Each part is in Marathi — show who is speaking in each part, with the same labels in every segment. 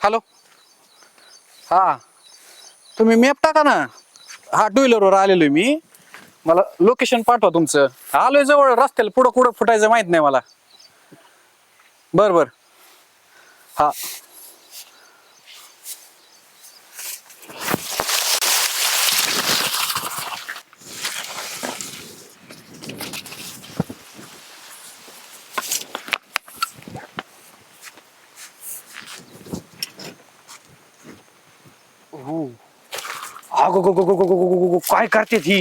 Speaker 1: हॅलो. हा तुम्ही मॅप टाका ना. हा टू व्हीलरवर आलेलो मी. मला लोकेशन पाठवा तुमचं. आलोय जवळ रस्त्याला पुढं कुठं फुटायचं माहित नाही मला. बर बर. हा
Speaker 2: अगो गो गो गो गो गो गो गो गो, काय करते ती?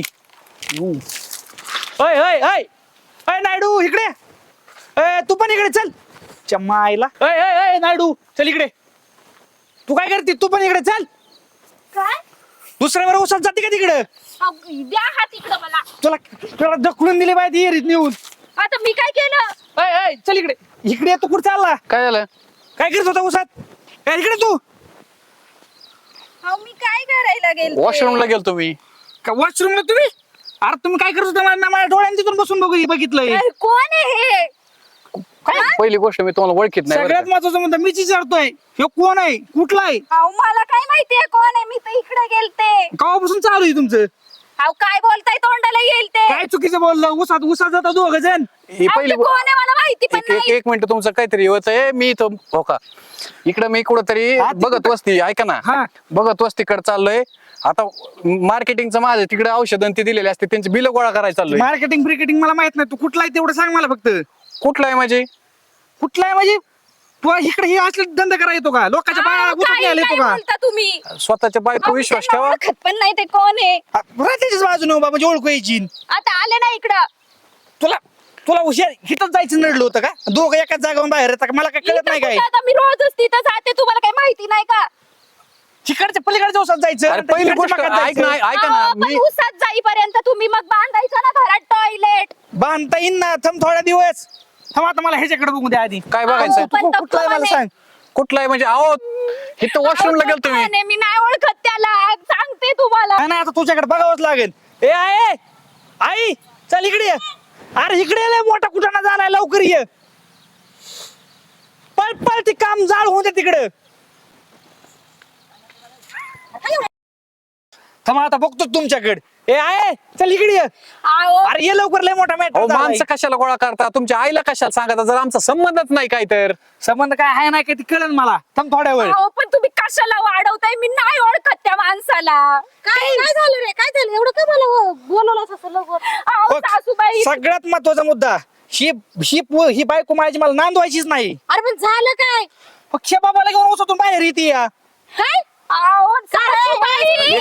Speaker 2: अय अय अय अय नायडू इकडे. अय तू पण इकडे चल. चम्मा आईला. अय अय अय नायडू चल इकडे. तू काय करते? तू पण इकडे चल.
Speaker 3: काय
Speaker 2: दुसऱ्यावर उसात जाते का तिकडे?
Speaker 3: द्या हात इकडं मला.
Speaker 2: तुला तुला ढकलून दिली पाहिजे येरीत नेऊन.
Speaker 3: आता मी काय केलं?
Speaker 2: अय अय चल इकडे. इकडे तू कुठे चालला?
Speaker 1: काय झालं?
Speaker 2: काय करत होता उसात? काय इकडे तू?
Speaker 3: अहो मी काय करायला गेले?
Speaker 1: वॉशरूमला गेलो तुम्ही.
Speaker 2: का वॉशरूमला तुम्ही? अरे तुम्ही काय करत होता? मला माझ्या डोळ्यांनी तिथून बसून बघितलंय.
Speaker 3: कोण आहे हे?
Speaker 1: पहिली गोष्ट मी तुम्हाला ओळखीत नाही बरं
Speaker 2: सगळ्यात
Speaker 1: का.
Speaker 2: महत्वाचं म्हणतो मीच विचारतोय हे कोण आहे? कुठला आहे?
Speaker 3: अहो मला काय माहितीये कोण आहे? मी तर इकडे गेलते.
Speaker 2: केव्हापासून चालू आहे तुमचं?
Speaker 3: अहो काय बोलताय? तोंडाला येईल ते.
Speaker 2: काय चुकीचं बोललं? उसात जाता दोघ जण.
Speaker 1: ही
Speaker 3: अहो,
Speaker 1: पहिली
Speaker 3: ते कोण आहे मला माहिती पण
Speaker 1: एक एक
Speaker 3: नाही.
Speaker 1: एक मिनिट तुमचं काहीतरी होत आहे. मी इथं हो का इकडं मी कुठंतरी
Speaker 2: हा, तिकडं-
Speaker 1: बघत वस्ती ऐका ना.
Speaker 2: हा.
Speaker 1: बघत वस्तीकडे चाललोय. आता मार्केटिंगचं माझं तिकडे औषध ते दिलेले असते त्यांची बिल गोळा करायला चाललोय.
Speaker 2: मार्केटिंग ब्रिकेटिंग मला माहित नाही. तू कुठला आहे तेवढं सांग मला फक्त.
Speaker 1: कुठलं आहे म्हणजे?
Speaker 2: कुठला आहे म्हणजे? तू इकडे हे असले धंदा करा येतो का? लोकांच्या बाया
Speaker 3: अहो,
Speaker 2: उचलून
Speaker 3: काय
Speaker 2: न्यायला येतो
Speaker 3: काय
Speaker 2: का?
Speaker 3: बोलता तुम्ही?
Speaker 1: स्वतःच्या बायको
Speaker 3: अहो, मी
Speaker 1: विश्वास
Speaker 3: त्यांना
Speaker 1: ठेवा.
Speaker 3: ओळखत पण नाही ते कोण आहे.
Speaker 2: त्याच्याच बाजूने बाबा म्हणजे ओळखू यायची.
Speaker 3: आता आले ना इकडं.
Speaker 2: तुला तुला हुशार हिथंच जायचं नडलं होतं का? दोघं एकाच जागावर बाहेर येतात का? मला काय कळत
Speaker 3: इथं
Speaker 2: नाही काय?
Speaker 3: कुठं आता मी रोजच तिथं जाते. तुम्हाला काही माहिती नाही का?
Speaker 2: तिकडच्या पलीकडच्या उसात जायचं.
Speaker 1: अरे
Speaker 2: नंतर
Speaker 1: पहिली
Speaker 2: तिकडच्या
Speaker 1: गोष्ट
Speaker 2: भागात
Speaker 1: ऐक ना
Speaker 2: जायचं.
Speaker 1: ऐका ना
Speaker 3: अहो, पण
Speaker 1: मी
Speaker 3: उसात जाईपर्यंत तुम्ही मग बांधायचं ना घरात टॉयलेट.
Speaker 2: बांधता येईन ना. थांब थोडा दिवस. थांब आता मला ह्याच्याकडे बघू द्या आधी.
Speaker 1: काय बघायचं?
Speaker 3: अहो, पण
Speaker 2: तू
Speaker 3: तो
Speaker 2: कुठला आहे मला
Speaker 3: कोण
Speaker 2: सांग.
Speaker 1: कुठलं आहे म्हणजे? अहो इथं वॉशरूमला गेलो तुम्ही.
Speaker 3: मी नाही ओळखत त्याला. सांगते तुम्हाला.
Speaker 2: नाही आता तुझ्याकडे बघावंच लागेल. ए आहे आई चल इकडे ये. अरे इकडे ये, लय मोठा कुठाना झालाय. लवकर ये. पळ पळ ते काम जाळ होऊ दे तिकडे. थांब आता बघतो तुमच्याकडे. ए आहे चल इकडे ये.
Speaker 3: अहो,
Speaker 2: अरे ये लवकर, लय मोठा
Speaker 1: अहो
Speaker 2: मॅटर
Speaker 1: माणसं कशाला गोळा करता? तुमच्या आईला कशाला सांगता जर आमचा संबंधच नाही काय तर?
Speaker 2: संबंध काय आहे नाही काय ते कळेल मला. थांब थोड्या वेळ.
Speaker 3: अहो, पण तुम्ही कशाला वाढवताय? मी नाही ओळखत त्या माणसाला. काय झालं रे? काय झालं? एवढं काय मला बोलवलं असं लवकर? अहो,
Speaker 2: बघ,
Speaker 3: सासूबाई.
Speaker 2: सगळ्यात महत्वाचा मुद्दा ही ही बायको माझी मला नांदवायचीच नाही.
Speaker 3: अरे पण झालं काय?
Speaker 2: पक्ष बाबाला घेऊन उसातून बाहेर येते या.
Speaker 3: काय? अहो, सासूबाई.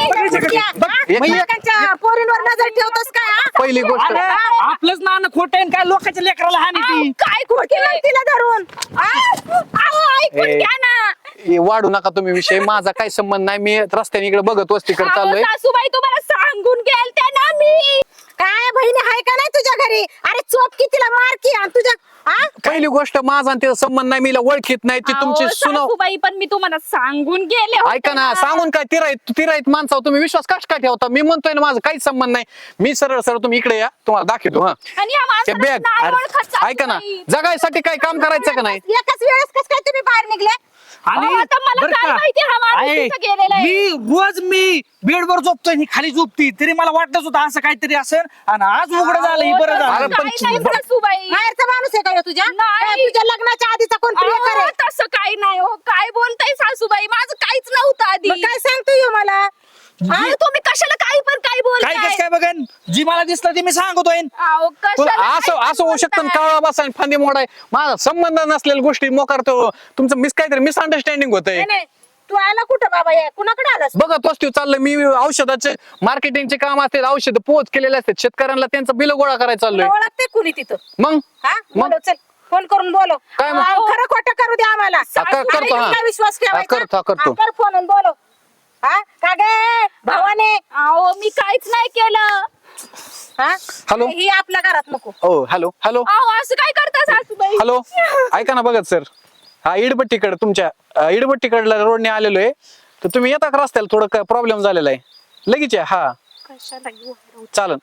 Speaker 3: पोरींवर नजर ठेवतोस काय? हा?
Speaker 1: पहिली गोष्ट
Speaker 2: अरे आपलंच नाणं खोटं आहे आणि काय लोकांच्या लेकराला हानी
Speaker 3: अहो,
Speaker 2: ती.
Speaker 3: काय खोटे तिला धरून? अहो, ऐकून
Speaker 1: ए.
Speaker 3: घ्या ना.
Speaker 1: हे वाढू नका तुम्ही विषय. माझा काही संबंध नाही. मी रस्त्याने इकडे बघत वस्तीकडे
Speaker 3: अहो,
Speaker 1: चाललोय.
Speaker 3: सासूबाई तुम्हाला सांगून गेलते ना मी. काय बहिणी आहे का नाही तुझ्या घरी? अरे चोप की तिला मार की आणि तुझ्या हा?
Speaker 1: पहिली गोष्ट माझा आणि तिचा संबंध नाही. मीला ओळखीत नाही. ती तुमची
Speaker 3: अहो,
Speaker 1: सुनाव.
Speaker 3: सासूबाई पण मी तुम्हाला सांगून गेले होते
Speaker 1: ऐका ना सांगून काय तिराईत माणसावर तुम्ही विश्वास कश काय ठेवता? मी म्हणतोय ना माझा काहीच संबंध नाही. मी सरळ सरळ तुम्ही इकडे या, तुम्हाला दाखवतो. हा
Speaker 3: आणि या
Speaker 1: ते
Speaker 3: माणसाला
Speaker 1: बॅग
Speaker 3: नाही ओळखत
Speaker 1: ऐका ना,
Speaker 3: सासूबाई.
Speaker 1: जगायसाठी काय काम करायचं का नाही?
Speaker 3: एकाच वेळेस कस काय तुम्ही बाहेर निघले?
Speaker 2: आणि
Speaker 3: अहो, आता मला
Speaker 2: बरं
Speaker 3: काय
Speaker 2: का?
Speaker 3: माहिती हा माणूस
Speaker 2: आहे,
Speaker 3: तिथं गेलेला आहे.
Speaker 2: मी बेडवर झोपतोय आणि खाली झोपती तरी मला वाटतच होतं असं काहीतरी असेल आणि आज उघड झालं हे बरं
Speaker 1: अरे
Speaker 2: झालं.
Speaker 1: पण
Speaker 3: काय नाही सासूबाई.
Speaker 4: बाहेरचा माणूस आहे का ह्यो तुझ्या
Speaker 3: नाही.
Speaker 4: तुझ्या लग्नाच्या आधीचा कोण प्रियकर
Speaker 3: अहो,
Speaker 4: आहे?
Speaker 3: तसं काही नाही हो. काय बोलताय सासूबाई? माझं काहीच नव्हतं आधी.
Speaker 4: मग काय सांगतो ह्यो मला?
Speaker 3: अहो, तुम्ही कशाला काही पण काही
Speaker 2: काय
Speaker 3: बोलताय?
Speaker 2: कस काय बघन जी मला दिसलं ते मी सांगतोय.
Speaker 3: अहो,
Speaker 1: तुला
Speaker 3: कशाला
Speaker 1: असं
Speaker 3: काही
Speaker 1: असं होऊ शकतं
Speaker 3: बोलताय?
Speaker 1: काळा बसा आणि फांदी मोडाय. माझा संबंध नसलेल्या गोष्टी मोकारतो. तुमचं काहीतरी मिसअंडरस्टँडिंग होतंय.
Speaker 4: नाही, नाही. तू आला कुठं बाबा या कुणाकडे आलास?
Speaker 1: बघा तोच चाललंय मी. औषधाचे मार्केटिंगचे काम असते. औषध पोच केलेले असतात शेतकऱ्यांना. त्यांचं बिल गोळा करायला चाललोय.
Speaker 4: तुला ओळखते कुणी तिथं?
Speaker 1: मग
Speaker 4: हा
Speaker 1: मग
Speaker 4: बोलव चल. फोन करून बोलव.
Speaker 1: काय मग?
Speaker 4: अहो, खरं खोटं करू दे आम्हाला.
Speaker 1: करतो, हा.
Speaker 4: काय विश्वास ठेवायचा?
Speaker 1: करतो, करतो.
Speaker 4: हा, कर फोन आणि बोलव. हा का गे भावाने?
Speaker 3: अहो, मी काहीच नाही केलं.
Speaker 4: हा
Speaker 1: हॅलो.
Speaker 4: ही आपल्या घरात नको.
Speaker 1: हो हॅलो हॅलो
Speaker 3: अहो, असं काय करता सासूबाई?
Speaker 1: हॅलो. ऐका ना बघत सर. हा इडबट्टीकडे तुमच्या इडबट्टीकडला रोडने आलेलो आहे. तर तुम्ही येता का रस्त्याला? थोडं प्रॉब्लेम झालेला आहे. लगेच या. हा
Speaker 3: कशाला घेऊ?
Speaker 1: चालन.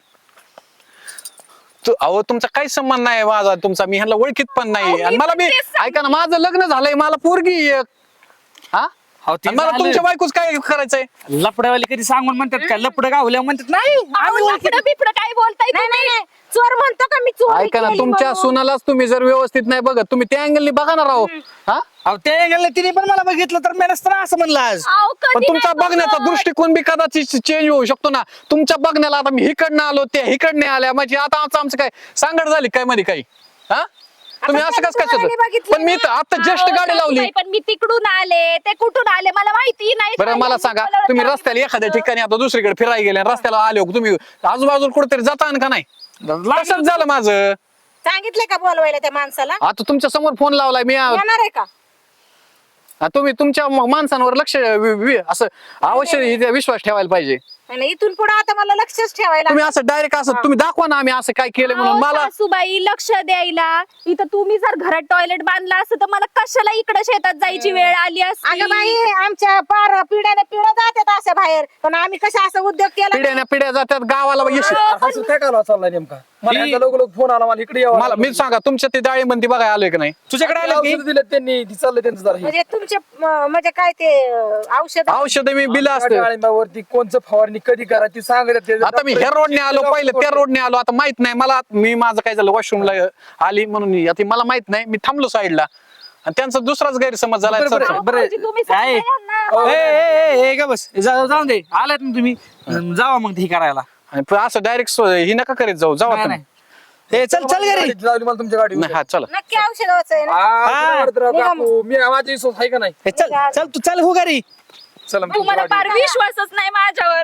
Speaker 1: अहो तुमचा काही संबंध नाही माझा तुमचा. मी ह्यांना ओळखीत पण
Speaker 3: अहो,
Speaker 1: नाही.
Speaker 3: मी
Speaker 1: आणि मला
Speaker 3: पण
Speaker 1: मी
Speaker 3: तेच सांग-
Speaker 1: ऐका ना माझं लग्न झालंय. मला पोरगी एक. हा
Speaker 2: अहो, ते
Speaker 1: आणि मला
Speaker 2: झालं.
Speaker 1: तुमच्या बायकोच काय करायचंय?
Speaker 2: लपड्यावाले कधी सांगून म्हणतात का लपडं गावल्या म्हणतात नाही आम्ही ओळखीत
Speaker 3: लफडं बिफडं काय बोलताय
Speaker 4: नाही
Speaker 3: तुम्ही?
Speaker 4: नाही नाही चोर म्हणतो का मी चोरी
Speaker 1: ऐका ना,
Speaker 4: केली
Speaker 1: तुमच्या
Speaker 4: म्हणून?
Speaker 1: सुनालाच तुम्ही जर व्यवस्थित नाही बघत, तुम्ही त्या अँगलनी बघा ना राव. हा
Speaker 2: अहो ते गेलं तिने पण मला बघितलं तर मी नसतं असं म्हणलं आज
Speaker 3: अहो, कधी
Speaker 1: पण तुमचा
Speaker 3: नाही
Speaker 1: बघण्याचा
Speaker 3: बघत.
Speaker 1: दृष्टिकोन बी कदाचित चेंज होऊ शकतो ना. तुमच्या बघण्याला आता मी इकडनं आलो, त्या इकडने आल्या, म्हणजे आता आमचं काय सांगड झाली काय मध्ये काही? हा तुम्ही असं कसं
Speaker 4: त्यांनी
Speaker 1: काय
Speaker 4: बघितलं
Speaker 1: पण मी तर आता जस्ट
Speaker 3: अहो,
Speaker 1: गाडी लावली.
Speaker 3: सासूबाई, पण मी तिकडून आले ते कुठून आले मला माहिती नाही.
Speaker 1: बरं मला सांगा, तुम्ही रस्त्याला एखाद्या ठिकाणी आता दुसरीकडे फिरायला गेले आणि रस्त्याला आले हो, तुम्ही आजूबाजूला कुठेतरी जाता का नाही? तसंच झालं माझं.
Speaker 4: सांगितलंय का बोलवायला त्या माणसाला
Speaker 1: आता तुमच्या समोर फोन लावलाय मी.
Speaker 4: येणार आहे का
Speaker 1: तुम्ही तुमच्या माणसांवर लक्ष असं अवश्य इथे विश्वास ठेवायला पाहिजे.
Speaker 4: आणि इथून पुढे आता मला लक्षच ठेवायला
Speaker 1: तुम्ही असं डायरेक्ट असं तुम्ही दाखवा ना आम्ही असं काय केलं म्हणून. मला
Speaker 3: सासूबाई लक्ष द्यायला इथं तुम्ही जर घरात टॉयलेट बांधला असतं तर मला कशाला इकडे शेतात जायची वेळ आली असती.
Speaker 4: अगं बाई आमच्या पार पिढ्याने पिढ्या जातात असं बाहेर पण आम्ही कसं असं उद्योग केला
Speaker 1: पिढ्याने पिढ्या जातात गावाला यश.
Speaker 5: असं काय कालवा चाललाय नेमका? मला यांचा लोक फोन आला मला इकडे यावं
Speaker 1: मला मी सांगा तुमच्या ते डाळीबंदी बघाय आलोय की नाही?
Speaker 2: तुझ्याकडे आलं की
Speaker 5: औषध दिलेत त्यांनी ती चाललंय त्यांचं जरा हे.
Speaker 4: म्हणजे तुमचे म्हणजे काय ते औषध
Speaker 1: औषध मी बिल
Speaker 5: त्या
Speaker 1: असतं.
Speaker 5: डाळिंबावरती कोणचं फवारणी कधी करायची सांगत
Speaker 1: आता मी ह्या रोडने आलो, पहिले त्या रोडने आलो, आता माहित नाही मला. मी माझं काय झालं वॉशरूमला आली म्हणून आता मला माहित नाही, मी थांबलो साईडला आणि त्यांचा दुसराच गैरसमज झाला.
Speaker 2: बरं,
Speaker 3: अहो,
Speaker 2: बरं.
Speaker 3: भाऊजी, तुम्ही सांगा
Speaker 2: आहे.
Speaker 3: यांना.
Speaker 2: ए का बस जाऊन दे आलात ना तुम्ही जावा मग हे करायला
Speaker 1: आणि पण असं डायरेक्ट ही नका करीत जाऊ. जावा
Speaker 2: नाही,
Speaker 1: तुम्ही.
Speaker 2: नाही. ए चल चल घरी
Speaker 5: लावली मला तुमच्या गाडी
Speaker 1: नाही, हा चला.
Speaker 4: नक्की औषधाचं आहे ना
Speaker 5: मी माझी विश्वास आहे का नाही?
Speaker 2: ए, चल चल तू चल हो घरी
Speaker 5: चला मग
Speaker 3: तुम्हाला
Speaker 5: तुमच्या
Speaker 3: फार विश्वासच नाही माझ्यावर.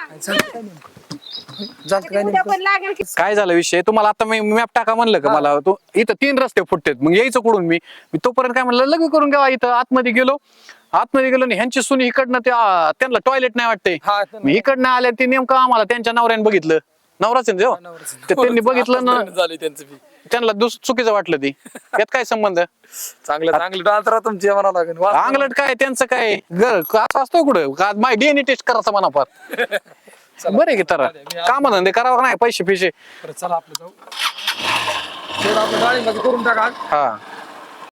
Speaker 5: गाडी
Speaker 4: उद्या पण लागेल की
Speaker 1: काय झालं विषय तुम्हाला आता मी मॅप टाका म्हणलं का मला? तो इथं 3 रस्ते फुटतेत, मग यायचं कुठून? मी तोपर्यंत काय म्हणलं लग्न करून घ्यावा. इथं आतमध्ये गेलो आणि ह्यांची सुनी इकडनं त्यांना टॉयलेट नाही वाटते.
Speaker 5: हा,
Speaker 1: मी इकडनं आल्या ते नेमकं आम्हाला त्यांच्या नवऱ्याने बघितलं. नवराच आहे ना तो? तर त्यांनी बघितलं ना,
Speaker 5: झाली त्यांचं बी.
Speaker 1: त्यांना चुकीचं वाटलं ती. यात काय संबंध?
Speaker 5: चांगलं चांगलं डान्सर तुम्ही म्हणावं लागेल
Speaker 1: अंगलट काय त्यांचं काय असं असतं कुठं का? माय डीएनए टेस्ट करायचा म्हणा फार. बरे की तर काम धंदे करावं नाही पैसे पिशे.
Speaker 5: चला आपलं जाऊ तेवढं आपलं डाळिंबाचं करून टाका
Speaker 1: हा